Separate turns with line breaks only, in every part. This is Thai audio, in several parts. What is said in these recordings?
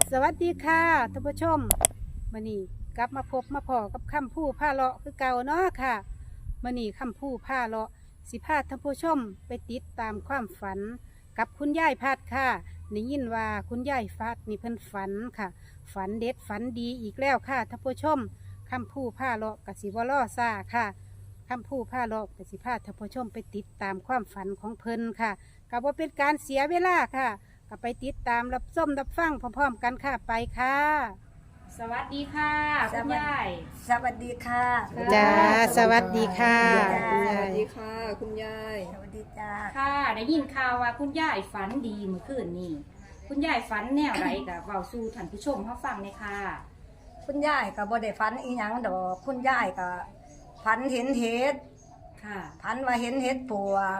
สวัสดีค่ะท่านผู้ชมมื้อนี้กลับมาพบมาพอกับคำพูผ้าเลาะคือเก่าเนาะค่ะมื้อนี้คำพูผ้าเลาะสิพาท่านผู้ชมไปติดตามความฝันกับคุณยายพัดค่ะได้ยินว่าคุณยายพัดนี่เพิ่นฝันค่ะ ฝันเด็ดฝันดีอีกแล้วค่ะท่านผู้ชมคำพูผ้าเลาะกสิบ่ล่อซ่าค่ะคำพูผ้าเลาะกสิพาท่านผู้ชมไปติดตามความฝันของเพิ่นค่ะก็บ่เป็นการเสียเวลาค่ะก็ไปติดตามรับส้มรับฟังพร้อมๆกันค่ะไปค่ะ
สวัสดีค่ะคุณยาย
สวัสดีค่ะ
จ้าสวัสดีค่ะ
จ้า
คุณ
ส
ยา
วัส
ย
ดีค่ะคุณยาย
สวัสดีจ้า
ค่ะได้ยินข่าวว่าคุณยายฝันดีเมื่อคืนนี้คุณยายฝันแนวไรกับเบาสู่ท่านผู้ชมเขาฟังเลยค่ะ
คุณยายก็บ่ได้ฝันอีหยังดอกคุณยายก็ฝันเห็นเห็ด
ค่ะ
ฝันว่าเห็นเห็ดปวก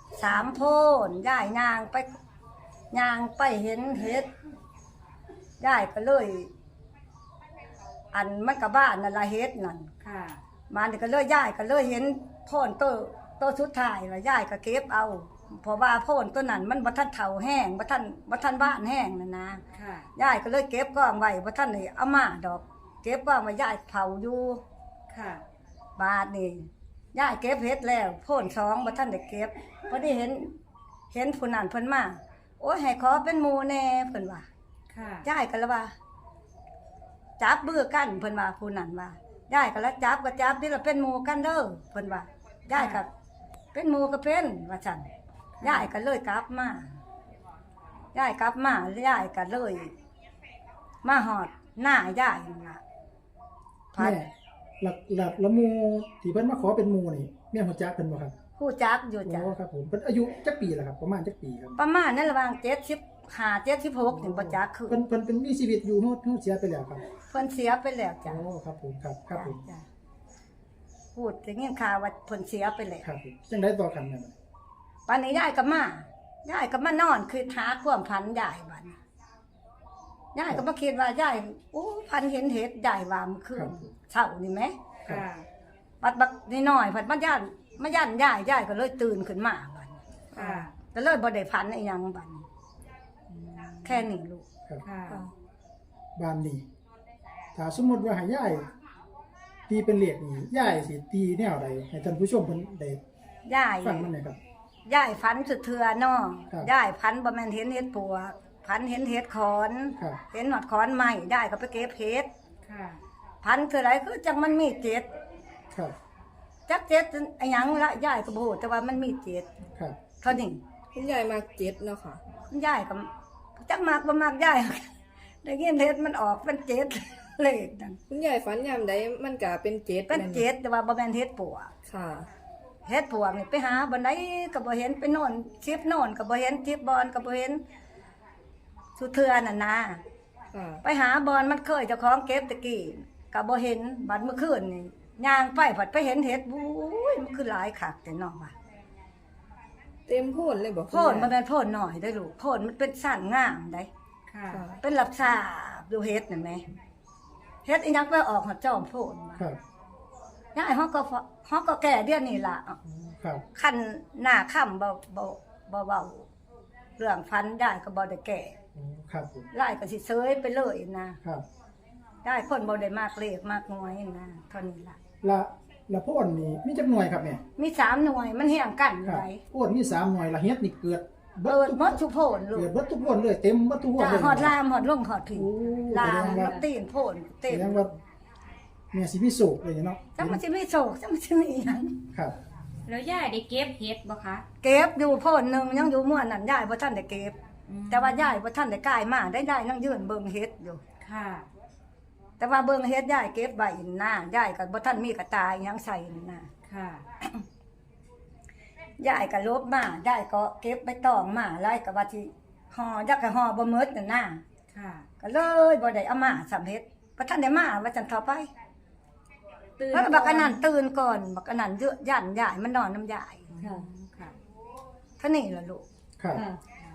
3 โพนยายย่างไปเห็นเห็ดยายก็เลย อันมันก็บ้านนั่นละเห็ดนั่น
ค่ะ
มานี่ก็เลยยายก็เลยเห็นโพนตัวสุดท้ายว่ายายก็เก็บเอาเพราะว่าโพนตัวนั้นมันบ่ทันเฒ่าแห้งบ่ทันบ้านแห้งนั่นนะ
ค่ะ
ยายก็เลยเก็บกองไว้บ่ทันได้เอามาดอก เก็บกองไว้ยายเผาอยู่
ค่ะ
บาดนี่ยายเก็บเฮ็ดแล้วโพ่น2บ่ทันได้เก็บพอได้เห็นผู้นั้นเพิ่นมาโอ้ยให้ขอเป็นหมู่แน่เพิ่นว่า
ค่ะ
ยายก็เลยว่าจับมือกันเพิ่นว่าผู้นั้นว่ายายก็เลยจับก็จับนี่ละเป็นหมู่กันเด้อเพิ่นว่ายายก็เป็นหมู่ก็เป็นว่าซั่นยายก็เลยกลับมายายกลับมายายก็เลยมาหอดหน้ายายนั่นล่ะพัด
แม่หลักละหมูที่เพิ่นมาขอเป็นหมูนี่แม่ฮู้จักเพิ่นบ่ครับ
ผู้จักอยู่จ้ะ
โอ้ครับผมเพิ่นอายุจักปีล่ะครับประมาณจักปีครับ
ประมาณนั้นระหว่าง75 76ถึงบ่จักคือ
เพิ่นเป็นมีชีวิตอยู่ฮู้เสียไปแล้วครับ
เพิ่นเสียไปแล้วจ้ะ
โอ้ครับผมครับผม
จ้ะพูดได้ยินข่าวว่าเพิ่นเสียไปแล้ว
ครับผมจังได๋ต่อกันแม่บัด
ปานนี้ยายก็มานอนคือหาความพันยายบัดนี้ยายก็บ่คิดว่ายายโอ้พันเห็นเห็ดยายว่ามันคือเช้านี่แหม
ค่ะ
บักน้อยๆเพิ่นมาย่านยายก็เลยตื่นขึ้นมาบัดนี้
ค่ะ
ก็เลยบ่ได้พันอีหยังบัดนี้แค่นี้ลูก
ครับ
ค่ะ
บ้านนี้ถ้าสมมุติว่าให้ยายตีเป็นเลขนี่ยายสิตีแนวใดให้ท่านผู้ชมเพิ่นได้
ยาย
ฟังมันหน่อยครับ
ยายฝันสุดเทือน้อง
ครับ
ยายฝันบ่แม่นเห็นเห็ดปวกฝันเห็นเห็ดขอน
ครับ
เห็นหนอดขอนใหม่ได้ก็ไปเก็บเห็ด
ค่ะ
ฝันคืออะไรคือจังมันมีเจ็ด
ครับ
จักเจ็ดไอ้หยังละยายก็บ่ฮู้แต่ว่ามันมีเจ็ด
ครับ
เท่านี้
คุณยายมาเจ็ดเนาะค่ะ
ยายก็จักมากบ่มากยาย ได้ยินเห็ดมันออกเป็นเจ็ด เลขนั่น
คุณยายฝันยามใดมันก็เป็นเจ็ด
เป็นเจ็ดแต่ว่าบ่แม่นเห็ดปวก
ค่ะ
เฮ็ดปวกนี่ไปหาบ่ได้ก็บ่เห็นไปโน่นชิปโน่นก็บ่เห็นชิปบอนก็บ่เห็นสุเทือนั่นนะ
ค่ะ
ไปหาบอนมันเคยเจ้าของเก็บตะกี้ก็บ่เห็นบัดเมื่อคืนนี่ย่างไปผัดไปเห็นเห็ดบุ้ยมันคือหลายคักแต่น้องว่า
เต็มโพนเลยบอก
โพนมันเป็นโพนหน่อยได้อลูกโพนมันเป็นสั้นงามได้
ค่ะ
ค่ะ
เป็นลับซาบดูเฮ็ดนั่นแหมเฮ็ดอีหยังไปออกหอดจอมโพนมา
ครับ
ยายเฮาก็แก่เดือนนี้ล่ะ
ครับ
คันหน้าค่ำบ่เว้าเรื่องฟันยายก็บ่ได้แก่
โอ้ครับผม
ลายก็สิเซยไปเลยนะครับ ยายคนบ่ได้มากเลขมากน้อยนะเท่านี้ล่ะ
ละพ่นนี่มีจักหน่วยครับแม่
มี3หน่วยมันเฮียงกันอยู่
ครับ
ได
พ่นมี3หน่วยละเฮ็ดนี่เกิด
เบิดหมดทุกโพนลู
เกิ
ก
ดเบิดทุกพ่นเลยเต็มเบิดทุกพ่น
จ้า
เลย
หอดลามหอดลงหอดผิว
โอ้
ลาม
แสดงว่า
ตีนโพนเต็
แส
ม
ดงว่าแม่สิมีโศกเลยเนาะ
จังมันสิมีโศกจังมันสิมีหยัง
ครับ
แล้วยายได้เก็บเห็ดบ่คะ
เก็บอยู่โพนหนึงยังอยู่ม่วนนั่นยายบ่ทันได้เก็บ
อืม
แต่ว่ายายบ่ทันได้กายมาได้นั่งยืนเบิ่งเฮ็ดอยู่
ค่ะ
แต่ว่าเบิ่งเฮ็ดยายเก็บไว้หน้ายายก็บ่ทันมีกระตายหยังใส่หน้า
ค่ะ
ยายก็ลบมายายก็เก็บใบตองมาไล่ก็ว่าสิห่อยักก็ห่อบ่หมดนั่นน่ะ
ค่ะ
ก็เลยบ่ได้เอามาสำเฮ็ดบ่ทันได้มาว่าจังเท่าไป
ตื่น
แล้วก็บักอันนั้นตื่นก่อนบักอันนั้นเยอะย่านยายมันนอนน้ำยาย
ค่ะค่ะ
เท่านี้ล่ะลูก
ครับ
ค่ะ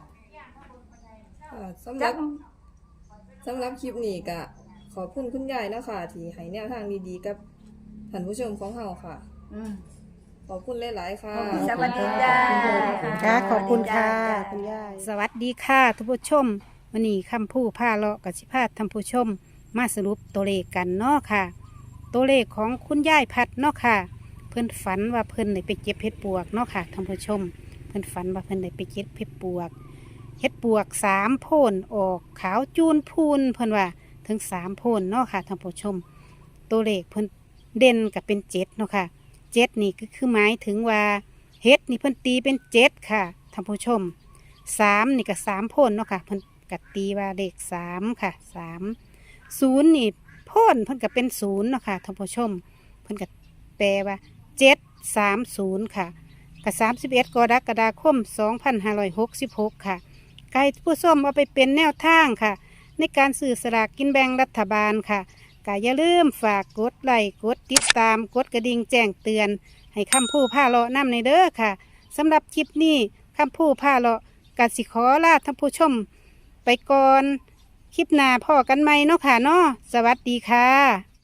สำห
จั
รั
ก
บสำหรับคลิปนี้ก็ขอบคุณคุณยายนะคะที่ให้แนวทางดีๆกับท่านผู้ชมของเราค่ะ
อืม
ขอบคุณหลายๆค่ะ
สวัสดีจ้า
ค่ะขอบคุณค่ะคุณยายสวัสดีค่ะท่านผู้ชมวันนี้คำพูดผ้าเลาะกับสิพาท่านผู้ชมมาสรุปตัวเลขกันเนาะค่ะ ตัวเลขของคุณยายพัดเนาะค่ะ เพิ่นฝันว่าเพิ่นได้ไปเก็บเห็ดปวกเนาะค่ะท่านผู้ชม เพิ่นฝันว่าเพิ่นได้ไปเก็บเห็ดปวก เห็ดปวก3 โพนออกขาวจูนพูนเพิ่นว่าถึง3 โพนเนาะค่ะท่านผู้ชม ตัวเลขเพิ่นเด่นกับเป็น7เนาะค่ะ7นี่ก็คือหมายถึงว่าเห็ดนี่เพิ่นตีเป็น7ค่ะท่านผู้ชม3นี่ก็3 โพนเนาะค่ะเพิ่นก็ตีว่าเลข3ค่ะ3 0นี่โพนเพิ่นก็เป็น0เนาะค่ะท่านผู้ชมเพิ่นก็แปลว่า730ค่ะกับ31 กรกฎาคม 2566 ค่ะไก่ผู้ส้มเอาไปเป็นแนวทางค่ะ ในการสื่อสลากกินแบ่งรัฐบาลค่ะก็อย่าลืมฝากกดไลค์กดติดตามกดกระดิ่งแจ้งเตือน ให้คำพูดผ้าเลาะนำในเด้อค่ะสำหรับคลิปนี้คำพูดผ้าเลาะกสิขอลาท่านผู้ชม ไปก่อนคลิปหน้าพ่อกันไหมเนาะค่ะเนาะสวัสดีค่ะ